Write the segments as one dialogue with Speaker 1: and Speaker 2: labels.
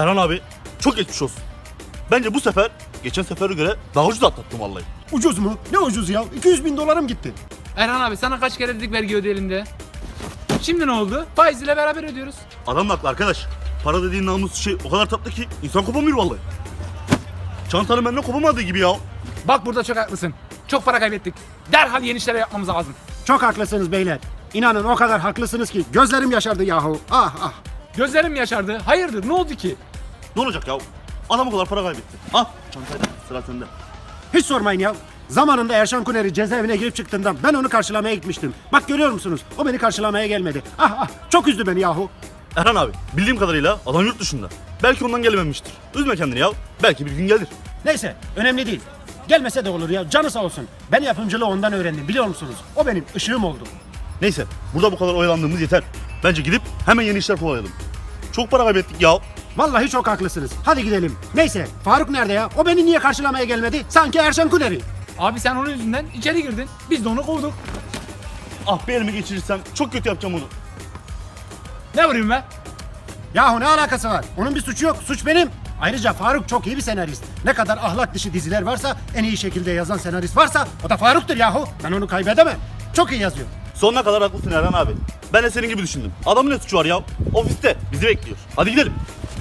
Speaker 1: Erhan abi çok geçmiş olsun. Bence bu sefer geçen sefere göre daha ucuz atlattım vallahi.
Speaker 2: Ucuz mu? Ne ucuz ya? 200.000 dolarım gitti.
Speaker 3: Erhan abi sana kaç kere dedik vergi ödeyelim diye. Şimdi ne oldu? Faiziyle beraber ödüyoruz.
Speaker 1: Adam haklı arkadaş. Para dediğin namus şey o kadar tatlı ki insan kopamıyor vallahi. Çantanın benden kopamadığı gibi ya.
Speaker 3: Bak burada çok haklısın. Çok para kaybettik. Derhal yeni işler yapmamız lazım.
Speaker 2: Çok haklısınız beyler. İnanın o kadar haklısınız ki gözlerim yaşardı yahu. Ah ah.
Speaker 3: Gözlerim yaşardı. Hayırdır ne oldu ki?
Speaker 1: Ne olacak ya? Adam o kadar para kaybetti. Al çantayı, sıra sende.
Speaker 2: Hiç sormayın ya. Zamanında Erşan Kuneri cezaevine girip çıktığında ben onu karşılamaya gitmiştim. Bak görüyor musunuz? O beni karşılamaya gelmedi. Ah ah, çok üzdü beni yahu.
Speaker 1: Erhan abi bildiğim kadarıyla adam yurt dışında. Belki ondan gelememiştir. Üzme kendini ya. Belki bir gün gelir.
Speaker 2: Neyse, önemli değil. Gelmese de olur ya, canı sağ olsun. Ben yapımcılığı ondan öğrendim, biliyor musunuz? O benim ışığım oldu.
Speaker 1: Neyse burada bu kadar oyalandığımız yeter. Bence gidip hemen yeni işler kovalayalım. Çok para kaybettik ya.
Speaker 2: Vallahi çok haklısınız. Hadi gidelim. Neyse, Faruk nerede ya? O beni niye karşılamaya gelmedi? Sanki Erşan Kuneri.
Speaker 3: Abi sen onun yüzünden içeri girdin. Biz de onu kovduk.
Speaker 1: Ah bir elimi geçirirsem çok kötü yapacağım onu.
Speaker 3: Ne vurayım be?
Speaker 2: Yahu ne alakası var? Onun bir suçu yok, suç benim. Ayrıca Faruk çok iyi bir senarist. Ne kadar ahlak dışı diziler varsa, en iyi şekilde yazan senarist varsa o da Faruk'tur yahu. Ben onu kaybedemem. Çok iyi yazıyor.
Speaker 1: Sonuna kadar haklısın Erhan abi. Ben de senin gibi düşündüm. Adamın ne suçu var ya? Ofiste bizi bekliyor. Hadi gidelim.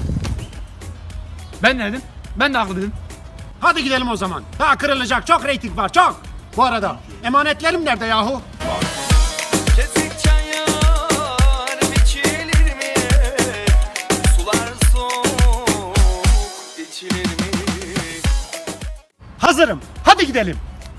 Speaker 3: Ben ne dedim? Ben de haklı dedim.
Speaker 2: Hadi gidelim o zaman. Daha kırılacak çok reyting var, çok. Bu arada emanetlerim nerede yahu?
Speaker 4: Kesik çayır biçilir mi? Sular soğuk içilir mi?
Speaker 2: Hazırım. Hadi gidelim.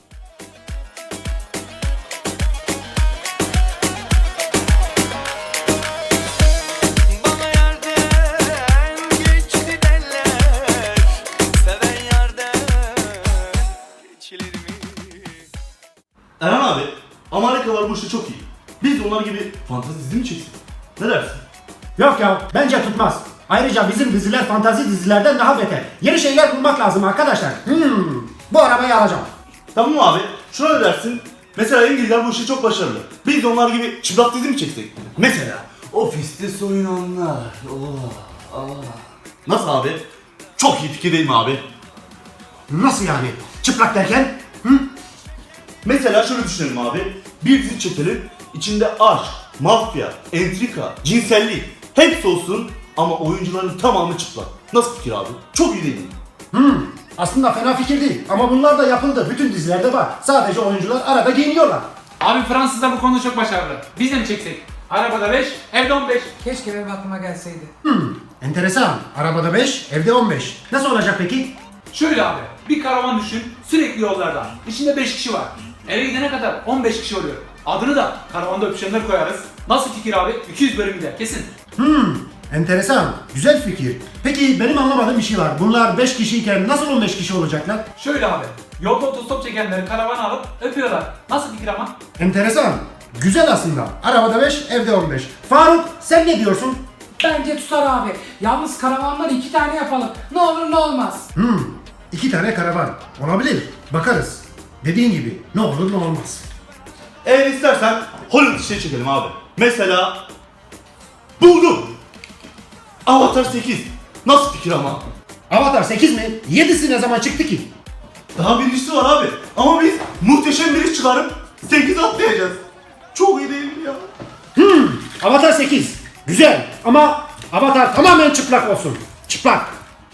Speaker 4: Bana yerden geçti derler. Seven yerden geçilir mi?
Speaker 1: Erhan abi, Amerikalılar bu işte çok iyi. Biz de onlar gibi fantezi dizi mi çeksek? Ne dersin?
Speaker 2: Yok ya, bence tutmaz. Ayrıca bizim diziler fantazi dizilerden daha beter. Yeni şeyler bulmak lazım arkadaşlar. Bu arabayı alacağım.
Speaker 1: Tamam abi, şuna ne dersin? Mesela İngilizler bu işte çok başarılı. Biz de onlar gibi çıplak dizi mi çeksek? Mesela ofiste soyunanlar. Nasıl abi? Çok iyi fikir değil mi abi?
Speaker 2: Nasıl yani? Çıplak derken?
Speaker 1: Mesela şöyle düşünelim abi. Bir dizi çekelim. İçinde aşk, mafya, entrika, cinsellik hepsi olsun ama oyuncuların tamamı çıplak. Nasıl fikir abi? Çok iyi değil mi?
Speaker 2: Aslında fena fikir değil ama bunlar da yapıldı. Bütün dizilerde var. Sadece oyuncular arada giyiniyorlar.
Speaker 3: Abi Fransızlar bu konuda çok başarılı. Biz de mi çeksek? Arabada 5, evde 15.
Speaker 5: Keşke benim aklıma gelseydi.
Speaker 2: Enteresan. Arabada 5, evde 15. Nasıl olacak peki?
Speaker 3: Şöyle abi, bir karavan düşün, sürekli yollarda. İçinde 5 kişi var. Eve gidene kadar 15 kişi oluyor. Adını da karavanda öpüşenler koyarız. Nasıl fikir abi? 200 bölüm gider kesin.
Speaker 2: Enteresan. Güzel fikir. Peki benim anlamadığım bir şey var. Bunlar 5 kişiyken nasıl 15 kişi olacaklar?
Speaker 3: Şöyle abi, yolda otostop çekenleri karavana alıp öpüyorlar. Nasıl fikir ama?
Speaker 2: Enteresan. Güzel aslında. Arabada 5, evde 15. Faruk sen ne diyorsun?
Speaker 5: Bence tutar abi. Yalnız karavanları 2 tane yapalım. Ne olur ne olmaz.
Speaker 2: 2 tane karavan. Olabilir. Bakarız. Dediğin gibi ne olur ne olmaz.
Speaker 1: Eğer istersen Hollywood işleri çekelim abi. Mesela buldum. Avatar 8. Nasıl fikir ama?
Speaker 2: Avatar 8 mi? 7'si ne zaman çıktı ki?
Speaker 1: Daha birincisi var abi. Ama biz muhteşem bir iş çıkarıp 8 atlayacağız. Çok iyi değil mi ya?
Speaker 2: Avatar 8. Güzel ama Avatar tamamen çıplak olsun. Çıplak.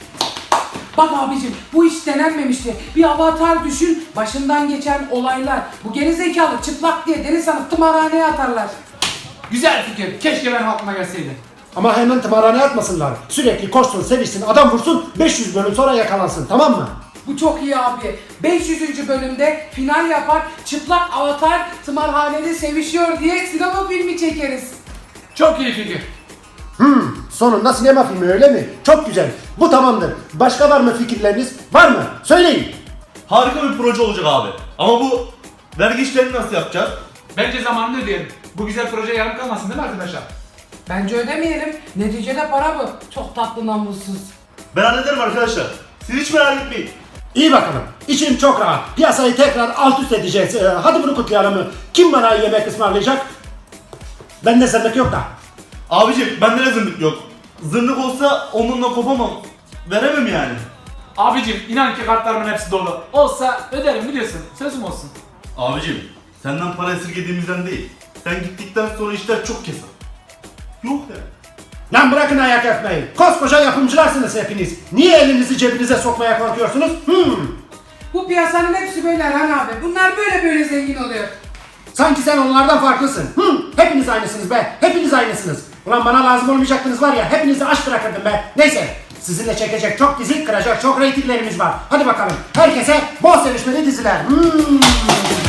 Speaker 5: Bak abicim bu iş denenmemişti. Bir avatar düşün, başından geçen olaylar. Bu gerizekalı çıplak diye deniz sanıp tımarhaneye atarlar.
Speaker 3: Güzel fikir. Keşke benim aklıma gelseydi.
Speaker 2: Ama hemen tımarhaneye atmasınlar. Sürekli koşsun, sevişsin, adam vursun, 500 bölüm sonra yakalansın, tamam mı?
Speaker 5: Bu çok iyi abi. 500. bölümde final yapar, çıplak avatar tımarhanede sevişiyor diye sinema filmi çekeriz.
Speaker 3: Çok iyi fikir.
Speaker 2: Sonunda sinema filmi öyle mi? Çok güzel. Bu tamamdır. Başka var mı fikirleriniz? Var mı? Söyleyin.
Speaker 1: Harika bir proje olacak abi. Ama bu vergi işlerini nasıl yapacağız?
Speaker 3: Bence zamanında ödeyelim. Bu güzel proje yarım kalmasın değil mi arkadaşlar?
Speaker 5: Bence ödemeyelim. Neticede para bu. Çok tatlı namussuz.
Speaker 1: Ben hallederim arkadaşlar. Siz hiç merak etmeyin.
Speaker 2: İyi bakalım. İçim çok rahat. Piyasayı tekrar alt üst edeceğiz. Hadi bunu kutlayalım mı? Kim bana yemek ısmarlayacak? Bende zırnık yok da.
Speaker 1: Abicim bende ne zırnık yok. zırnık olsa onunla kopamam. Veremem yani.
Speaker 3: Abicim inan ki kartlarımın hepsi dolu. Olsa öderim biliyorsun. Sözüm olsun.
Speaker 1: Abicim senden para esirgediğimizden değil. Sen gittikten sonra işler çok keser. Yok ya.
Speaker 2: Lan bırakın ayak yapmayı. Koskoca yapımcılarsınız hepiniz. Niye elinizi cebinize sokmaya korkuyorsunuz?
Speaker 5: Bu piyasanın hepsi böyle Erhan abi. Bunlar böyle zengin oluyor.
Speaker 2: Sanki sen onlardan farklısın. Hepiniz aynısınız be. Hepiniz aynısınız. Ulan bana lazım olmayacaktınız var ya. Hepinizi aç bırakırdım be. Neyse. Sizinle çekecek çok dizi, kıracak çok reytinglerimiz var. Hadi bakalım. Herkese bol sevişmeli diziler.